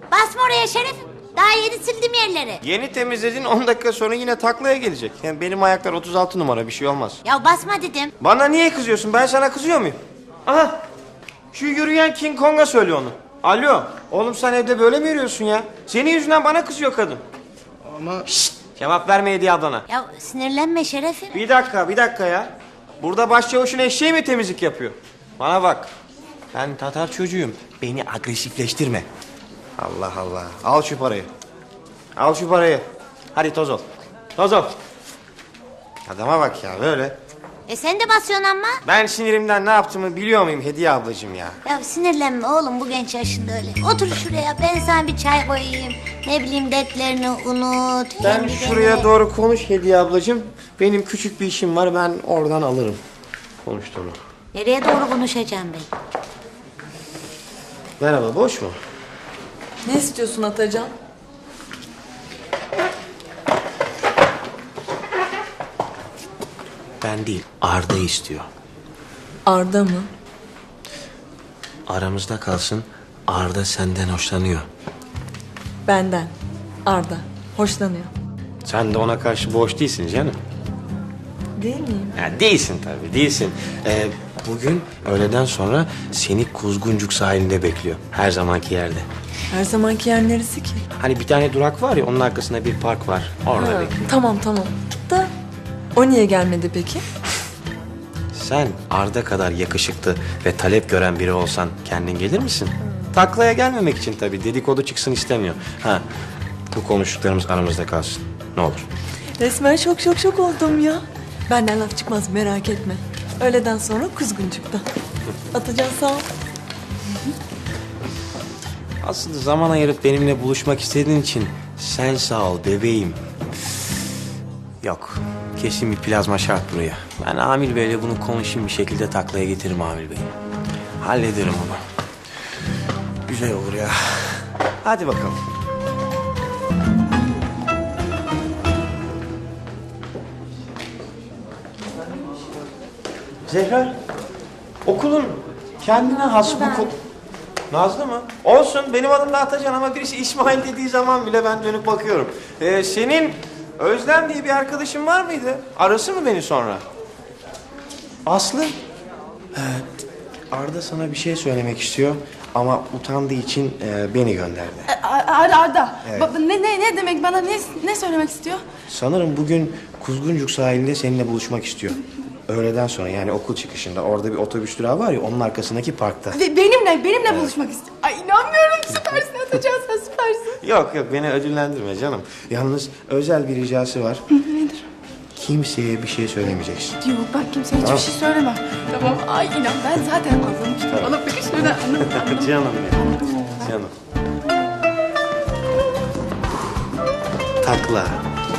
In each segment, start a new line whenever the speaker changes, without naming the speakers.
Basma oraya Şeref. Daha yeni sildim yerleri.
Yeni temizledin 10 dakika sonra yine taklaya gelecek. Yani benim ayaklar 36 numara bir şey olmaz.
Ya basma dedim.
Bana niye kızıyorsun? Ben sana kızıyor muyum? Aha şu yürüyen King Kong'a söyle onu. Alo oğlum sen evde böyle mi yürüyorsun ya? Senin yüzünden bana kızıyor kadın.
Ama...
Şşt, cevap verme Hediye ablana.
Ya sinirlenme Şeref'im.
Bir dakika ya. Burada başçavuşun eşeği mi temizlik yapıyor? Bana bak. Ben Tatar çocuğuyum. Beni agresifleştirme. Allah Allah. Al şu parayı. Al şu parayı. Hadi toz ol. Toz ol. Adama bak ya böyle.
Sen de basıyorsun ama.
Ben sinirimden ne yaptığımı biliyor muyum Hediye ablacığım ya?
Ya sinirlenme oğlum bu genç yaşında öyle. Otur şuraya ben sana bir çay koyayım. Ne bileyim dertlerini unut.
Sen
kendi
şuraya
kendine.
doğru konuş Hediye ablacığım. Benim küçük bir işim var, ben oradan alırım konuştuğunu.
Nereye doğru konuşacağım ben?
Merhaba, boş mu?
Ne istiyorsun Atacan?
Ben değil, Arda istiyor.
Arda mı?
Aramızda kalsın, Arda senden hoşlanıyor.
Benden. Arda. Hoşlanıyor.
Sen de ona karşı boş değilsin canım.
Değil miyim?
Ya değilsin tabii, değilsin. Bugün öğleden sonra seni Kuzguncuk sahilinde bekliyor. Her zamanki yerde.
Her zamanki yer neresi ki?
Hani bir tane durak var ya, onun arkasında bir park var. Orada
Ha,
bekliyor.
tamam. Da o niye gelmedi peki?
Sen Arda kadar yakışıklı ve talep gören biri olsan kendin gelir misin? Taklaya gelmemek için tabii, dedikodu çıksın istemiyor. Ha, bu konuştuklarımız aramızda kalsın. Ne olur.
Resmen şok oldum ya. Benden laf çıkmaz merak etme. Öğleden sonra Kuzguncuk'ta. Atacan sağ ol.
Aslında zaman ayırıp benimle buluşmak istediğin için sen sağ ol bebeğim. Yok, kesin bir plazma şart buraya. Ben Amil Bey'le bunu konuşayım, bir şekilde taklaya getiririm Amil Bey'i. Hallederim onu. Güzel olur ya. Hadi bakalım. Zehra, okulun kendine has bir Nazlı mı? Olsun, benim adım da Atacan ama birisi İsmail dediği zaman bile ben dönüp bakıyorum. Senin Özlem diye bir arkadaşın var mıydı? Arası mı beni sonra? Aslı? Arda sana bir şey söylemek istiyor ama utandığı için beni gönderdi.
Arda.
Evet.
Ne demek bana ne söylemek istiyor?
Sanırım bugün Kuzguncuk sahilinde seninle buluşmak istiyor. Öğleden sonra, yani okul çıkışında orada bir otobüs durağı var ya, onun arkasındaki parkta.
Benimle buluşmak istiyor. Ay inanmıyorum, süpersin Atacan, sen süpersin.
Yok beni ödüllendirme canım. Yalnız özel bir ricası var.
Nedir?
Kimseye bir şey söylemeyeceksin.
Yok bak kimseye hiçbir şey söyleme. Tamam, ay inan ben zaten anlamıştım. Bana bakışlarından anladım.
Canım benim. Canım. Takla.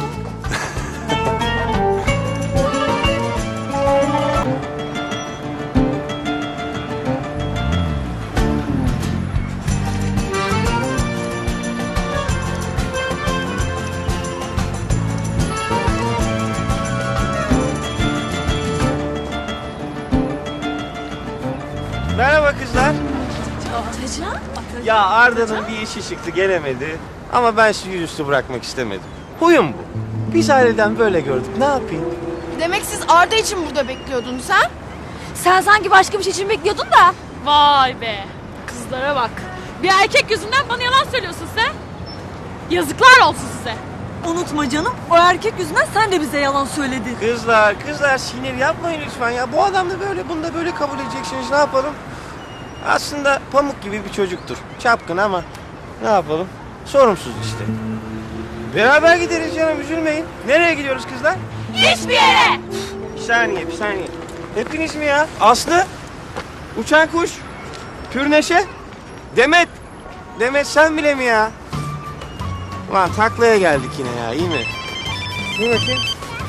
Merhaba kızlar.
Atacan?
Ya Arda'nın bir işi çıktı, gelemedi. Ama ben sizi yüzüstü bırakmak istemedim. Huyum bu. Biz aileden böyle gördük. Ne yapayım?
Demek siz Arda için burada bekliyordun sen?
Sen sanki başka bir şey için bekliyordun da. Vay be. Kızlara bak. Bir erkek yüzünden bana yalan söylüyorsun sen. Yazıklar olsun size.
Unutma canım, o erkek yüzünden sen de bize yalan söyledin.
Kızlar sinir yapmayın lütfen ya. Bu adam da böyle, bunu da böyle kabul edeceksiniz. Ne yapalım? Aslında pamuk gibi bir çocuktur. Çapkın ama ne yapalım? Sorumsuz işte. Beraber gideriz canım, üzülmeyin. Nereye gidiyoruz kızlar?
Hiçbir yere.
Bir saniye. Hepiniz mi ya? Aslı, uçan kuş, Pürneşe, Demet. Demet sen bile mi ya? Ulan taklaya geldik yine ya, iyi mi? İyi bakayım.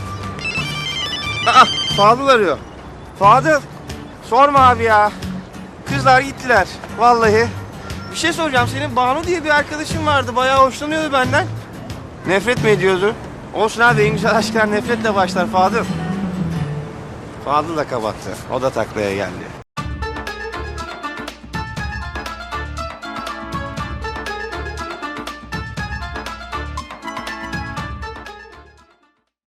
Aa, Fadıl arıyor. Fadıl, sorma abi ya. Kızlar gittiler, vallahi. Bir şey soracağım, senin Banu diye bir arkadaşın vardı. Bayağı hoşlanıyordu benden. Nefret mi ediyordu? Olsun abi, en güzel aşklar nefretle başlar Fadıl. Fadıl da kapattı. O da taklaya geldi.